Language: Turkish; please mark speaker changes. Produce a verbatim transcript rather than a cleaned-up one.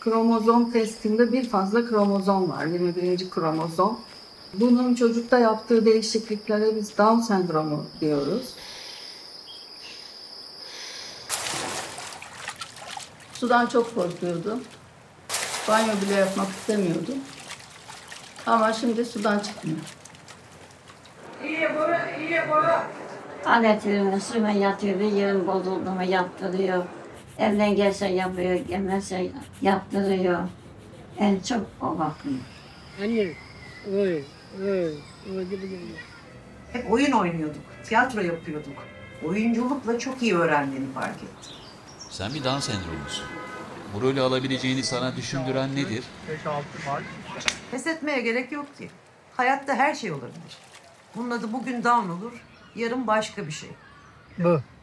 Speaker 1: kromozom testinde bir fazla kromozom var, yirmi birinci kromozom. Bunun çocukta yaptığı değişikliklere biz Down sendromu diyoruz. Sudan çok korkuyordu. Banyo bile yapmak istemiyordu. Ama şimdi sudan çıkmıyor.
Speaker 2: İyi bora, iyi bora.
Speaker 3: Aletlerine suyuna yatıyordu, yerin bozulduğunu yaptırıyor. Evden gelse yapıyor, gelmezse yaptırıyor. En çok o bakıyor.
Speaker 2: Anne, oy, oy, oy gibi gibi.
Speaker 4: Hep oyun oynuyorduk, tiyatro yapıyorduk. Oyunculukla çok iyi öğrendiğini fark ettim.
Speaker 5: Sen bir Down sendromlusun. Bu rolü alabileceğini sana düşündüren nedir?
Speaker 2: beş altı Mart.
Speaker 4: Pes etmeye gerek yok ki. Hayatta her şey olabilir. Bunun adı bugün Down olur, yarın başka bir şey.
Speaker 2: Bu.